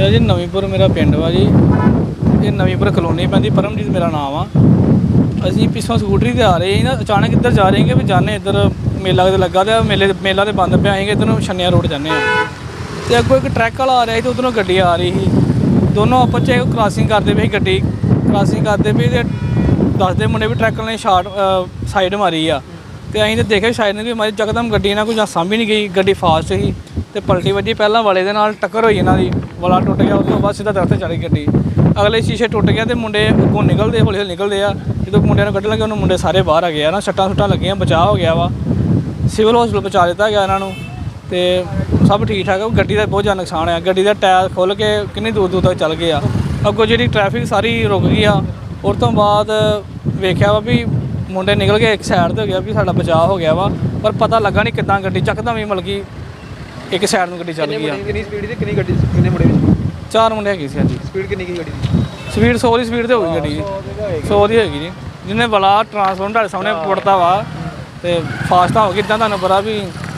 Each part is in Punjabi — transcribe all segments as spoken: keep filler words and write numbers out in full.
मेरा जी नवींपुर मेरा पिंड वा जी। ये नवींपुर कलोनी पैंदी, परमजीत मेरा नाम आ। असीं पिछों स्कूटरी ते आ रहे ना, अचानक इधर जा रहे हैं भी जाने इधर मेला किते लग्गा ते मेले मेला ते बंद पे आएंगे इधरों छन्निया रोड जाने ते अग्गों एक ट्रैक वाला आ रहा था, उधरों गड्डी आ रही थी। दोनों आपस च क्रॉसिंग करते पे गड्डी क्रॉसिंग करते पे ते दसदे मुंडे भी ट्रैक ने शार्ट साइड मारी आ ते असीं ते देखे शायद ने भी हमारी जकदम गड्डी ना कुछ सामभी नहीं गई, गड्डी फास्ट ही ते पलटी वजी पहला वाले दे नाल टक्कर होई इन्हां दी, वाला टुट गया। उस तो बाद सीधा दरख्त चढ़ी गड्डी, अगले शीशे टुट गया ते मुंडे अगों निकलदे हौली हौली निकलदे आ। जो मुंडिਆਂ ਨੂੰ ਕੱਢਣ ਲੱਗੇ ਉਹਨੂੰ ਮੁੰਡੇ ਸਾਰੇ ਬਾਹਰ ਆ ਗਏ ਆ ਨਾ, ਸੱਟਾਂ ਸੁੱਟਾਂ ਲੱਗੀਆਂ, ਬਚਾਅ ਹੋ ਗਿਆ ਵਾ, ਸਿਵਲ ਹਸਪੀਟਲ ਪਹੁੰਚਾ ਦਿੱਤਾ ਗਿਆ ਇਹਨਾਂ ਨੂੰ ਤੇ ਸਭ ਠੀਕ ਠਾਕ ਆ। ਗੱਡੀ ਦਾ ਬਹੁਤ ਜ਼ਿਆਦਾ ਨੁਕਸਾਨ ਆ, ਗੱਡੀ ਦਾ ਟਾਇਰ ਖੁੱਲ੍ਹ ਕੇ ਕਿੰਨੀ ਦੂਰ ਦੂਰ ਤੱਕ ਚੱਲ ਗਏ ਆ। ਅੱਗੋਂ ਜਿਹੜੀ ਟ੍ਰੈਫਿਕ ਸਾਰੀ ਰੁਕ ਗਈ ਆ। ਉਸ ਤੋਂ ਬਾਅਦ ਵੇਖਿਆ ਵਾ ਵੀ ਮੁੰਡੇ ਨਿਕਲ ਗਏ, ਇੱਕ ਸਾਈਡ 'ਤੇ ਹੋ ਗਿਆ ਵੀ ਸਾਡਾ ਬਚਾਅ ਹੋ ਗਿਆ ਵਾ, ਪਰ ਪਤਾ ਲੱਗਾ ਨਹੀਂ ਕਿੱਦਾਂ ਗੱਡੀ ਚੱਕਦਮ ਹੀ ਮਤਲਬ ਕਿ ਇੱਕ ਸਾਈਡ ਨੂੰ ਗੱਡੀ ਚੱਲ ਗਈ ਆ। ਕਿੰਨੀ ਸਪੀਡ ਦੀ ਕਿੰਨੀ ਗੱਡੀ ਕਿੰਨੇ ਮੁੰਡੇ ਵਿੱਚ? ਚਾਰ ਮੁੰਡੇ ਹੈਗੇ ਸੀ। ਹਾਂਜੀ, ਸਪੀਡ ਕਿੰਨੀ ਕੀ ਗੱਡੀ ਦੀ? ਸਪੀਡ ਸੌ ਦੀ ਸਪੀਡ 'ਤੇ ਹੋਊਗੀ ਗੱਡੀ ਜੀ, ਸੌ ਦੀ ਹੈਗੀ ਜੀ। ਜਿਹਨੇ ਬਲਾ ਟਰਾਂਸਫਾਰਮਰ ਤੁਹਾਡੇ ਸਾਹਮਣੇ ਪੁੱਟਦਾ ਵਾ ਤੇ ਫਾਸਟ ਹੋ ਗਈ, ਇੱਦਾਂ ਤੁਹਾਨੂੰ ਪਤਾ ਵੀ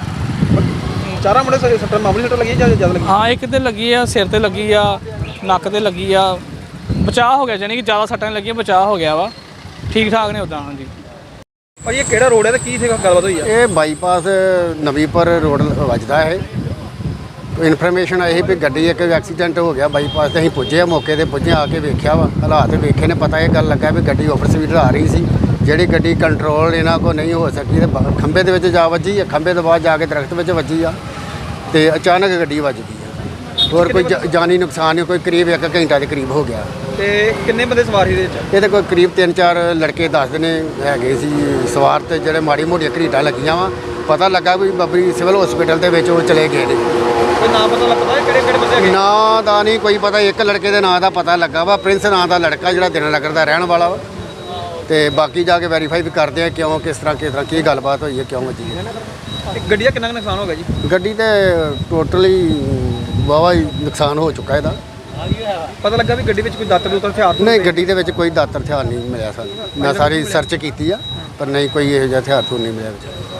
ਚਾਰਾਂ ਮੁੰਡੇ ਸਾਰੇ ਸੱਟਾਂ ਮਾਮੂਲੀ ਸੱਟਾਂ ਲੱਗੀਆਂ ਜਾਂ ਜ਼ਿਆਦਾ ਲੱਗੀਆਂ? ਹਾਂ, ਇੱਕ ਤੇ ਲੱਗੀ ਆ, ਸਿਰ ਤੇ ਲੱਗੀ ਆ, ਨੱਕ ਤੇ ਲੱਗੀ ਆ, ਬਚਾਅ ਹੋ ਗਿਆ, ਜਾਨੀ ਕਿ ਜ਼ਿਆਦਾ ਸੱਟਾਂ ਨਹੀਂ ਲੱਗੀਆਂ, ਬਚਾਅ ਹੋ ਗਿਆ ਵਾ, ਠੀਕ ਠਾਕ ਨੇ ਉੱਦਾਂ। ਹਾਂਜੀ ਭਾਈ ਇਹ ਕਿਹੜਾ ਰੋਡ ਹੈ ਤੇ ਕੀ ਇੱਥੇ ਗੱਲਬਾਤ ਹੋਈ ਆ? ਇਹ ਬਾਈਪਾਸ ਨਵੀਂਪੁਰ ਰੋਡ ਵੱਜਦਾ ਹੈ। ਇਨਫੋਰਮੇਸ਼ਨ ਆਈ ਵੀ ਗੱਡੀ ਇੱਕ ਐਕਸੀਡੈਂਟ ਹੋ ਗਿਆ ਬਾਈਪਾਸ ਤੇ ਅਸੀਂ ਪੁੱਜੇ ਆ, ਮੌਕੇ ਤੇ ਪੁੱਜੇ, ਆ ਕੇ ਵੇਖਿਆ ਵਾ, ਹਾਲਾਤ ਵੇਖੇ ਨੇ, ਪਤਾ ਇਹ ਗੱਲ ਲੱਗਾ ਵੀ ਗੱਡੀ ਓਵਰ ਸਪੀਡ ਆ ਰਹੀ ਸੀ, ਜਿਹੜੀ ਗੱਡੀ ਕੰਟਰੋਲ ਇਹਨਾਂ ਕੋਲ ਨਹੀਂ ਹੋ ਸਕੀ ਤੇ ਖੰਭੇ ਦੇ ਵਿੱਚ ਜਾ ਵੱਜੀ ਆ, ਖੰਭੇ ਤੋਂ ਬਾਅਦ ਜਾ ਕੇ ਦਰਖਤ ਵਿੱਚ ਵੱਜੀ ਆ ਤੇ ਅਚਾਨਕ ਗੱਡੀ ਵੱਜ ਗਈ ਆ। ਹੋਰ ਕੋਈ ਜਾਨੀ ਨੁਕਸਾਨ ਨਹੀਂ, ਕੋਈ ਕਰੀਬ ਇੱਕ ਘੰਟਾ ਦੇ ਕਰੀਬ ਹੋ ਗਿਆ। ਤੇ ਕਿੰਨੇ ਬੰਦੇ ਸਵਾਰ ਸੀ ਇਹਦੇ ਵਿੱਚ? ਇਹਦੇ ਕੋਈ ਕਰੀਬ ਤਿੰਨ ਚਾਰ ਲੜਕੇ ਦੱਸਦੇ ਨੇ ਹੈਗੇ ਸੀ ਸਵਾਰ ਤੇ ਜਿਹੜੇ ਮਾੜੀ ਮੋਟੀਆਂ ਘਰੀਟਾਂ ਲੱਗੀਆਂ ਵਾ। ਪਤਾ ਲੱਗਾ ਵੀ ਬੱਬਰੀ ਸਿਵਲ ਹਸਪੀਟਲ ਦੇ ਵਿੱਚ ਉਹ ਚਲੇ ਗਏ ਨੇ। ਕੋਈ ਨਾਂ ਪਤਾ ਲੱਗਾ ਕਿਹੜੇ ਕਿਹੜੇ ਬੰਦੇ ਹੈਗੇ? ਨਾਂ ਦਾ ਨਹੀਂ ਕੋਈ ਪਤਾ, ਇੱਕ ਲੜਕੇ ਦੇ ਨਾਂ ਦਾ ਪਤਾ ਲੱਗਾ ਵਾ, ਪ੍ਰਿੰਸ ਨਾਂ ਦਾ ਲੜਕਾ ਜਿਹੜਾ ਦਿਨਾਨਗਰ ਦਾ ਰਹਿਣ ਵਾਲਾ ਵਾ, ਤੇ ਬਾਕੀ ਜਾ ਕੇ ਵੈਰੀਫਾਈ ਵੀ ਕਰਦੇ ਆ ਕਿਉਂ ਕਿਸ ਤਰ੍ਹਾਂ ਕਿਸ ਤਰ੍ਹਾਂ ਕੀ ਗੱਲਬਾਤ ਹੋਈ ਹੈ, ਕਿਉਂ ਵੱਜੀ ਹੈ। ਗੱਡੀ ਦਾ ਕਿੰਨਾ ਕੁ ਨੁਕਸਾਨ ਹੋ ਗਿਆ ਜੀ? ਗੱਡੀ ਤੇ ਟੋਟਲੀ ਵਾਹਵਾ ਹੀ ਨੁਕਸਾਨ ਹੋ ਚੁੱਕਾ ਇਹਦਾ। ਪਤਾ ਲੱਗਾ ਵੀ ਗੱਡੀ ਵਿੱਚ ਕੋਈ ਦਾਤਰ ਦੂਤਰ ਹਥਿਆਰ? ਨਹੀਂ, ਗੱਡੀ ਦੇ ਵਿੱਚ ਕੋਈ ਦਾਤਰ ਹਥਿਆਰ ਨਹੀਂ ਮਿਲਿਆ ਸਾਨੂੰ। ਮੈਂ ਸਾਰੀ ਸਰਚ ਕੀਤੀ ਆ ਪਰ ਨਹੀਂ ਕੋਈ ਇਹੋ ਜਿਹਾ ਹਥਿਆਰ ਨਹੀਂ ਮਿਲਿਆ ਵਿੱਚ।